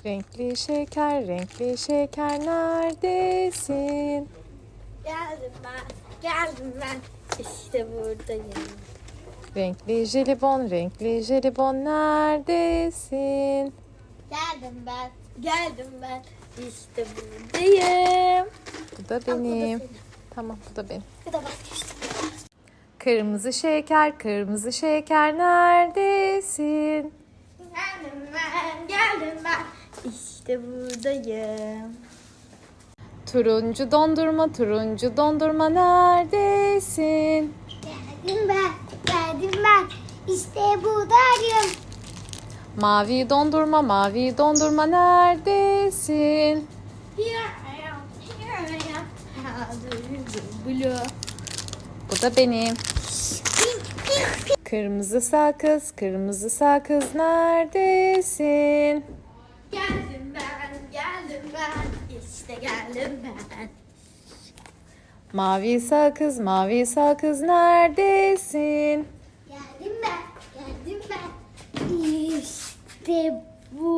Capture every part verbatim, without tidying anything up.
Renkli şeker, renkli şeker neredesin? Geldim ben, geldim ben. İşte buradayım. Renkli jelibon, renkli jelibon neredesin? Geldim ben, geldim ben. İşte buradayım. Bu da Al, bu da benim. senin. Tamam, bu da benim. Ya da vazgeçtim. Kırmızı şeker, kırmızı şeker neredesin? Geldim ben, geldim ben. İşte buradayım. Turuncu dondurma, turuncu dondurma neredesin? Geldim ben, geldim ben. İşte buradayım. Mavi dondurma, mavi dondurma neredesin? Here I am, here I am. Blue. Bu da benim. Kırmızı sakız, kırmızı sakız neredesin? Geldim ben, geldim ben. İşte geldim ben. Mavi sakız, mavi sakız neredesin? Geldim ben, geldim ben. İşte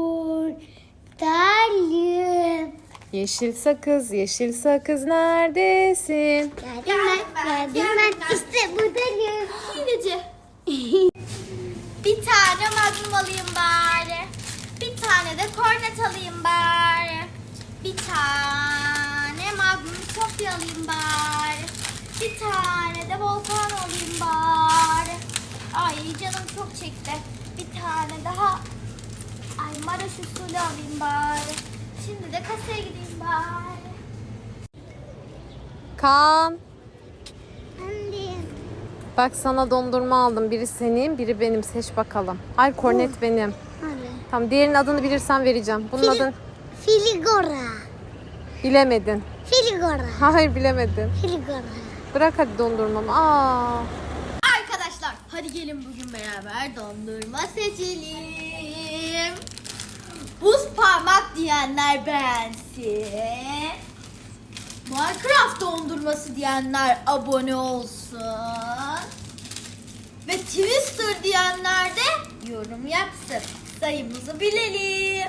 buradayım. Yeşil sakız, yeşil sakız neredesin? Geldim ben, geldim ben. İşte buradayım. Hileci. Bir tane magnum alayım bari. Bir tane de kornet alayım bari. Bir tane magnum sofya alayım bari. Bir tane de volkan alayım bari. Ay canım çok çekti. Bir tane daha ay Maraş usulü alayım bari. Şimdi de kasaya gideyim bari. Kaan, Anne. bak sana dondurma aldım. Biri senin, biri benim. Seç bakalım. Hayır, kornet benim. Anne. Tamam, diğerinin adını bilirsen vereceğim. Bunun adını Filigora. bilemedin. Filigora. Hayır, bilemedin. Filigora. Bırak hadi dondurmamı. Aa. Arkadaşlar hadi gelin bugün beraber dondurma seçelim. Buz parmak diyenler beğensin. Minecraft dondurması diyenler abone olsun. Ve Twister diyenler de yorum yapsın. Sayımızı bilelim.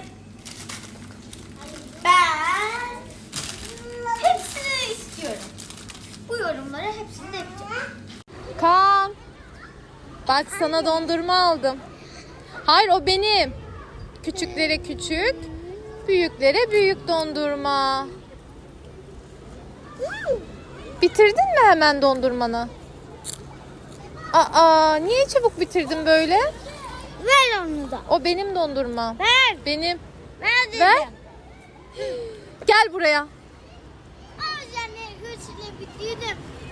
Ben hepsini istiyorum. Bu yorumları hepsini de yapacağım. Kaan. Bak sana dondurma aldım. Hayır, o benim. Küçüklere küçük, büyüklere büyük dondurma. Bitirdin mi hemen dondurmanı? Aa, niye çabuk bitirdin böyle? Ver onu da. O benim dondurma. Ver. Benim. Ver dedim. Ver. Gel buraya. Ama anne güçle bitirdim.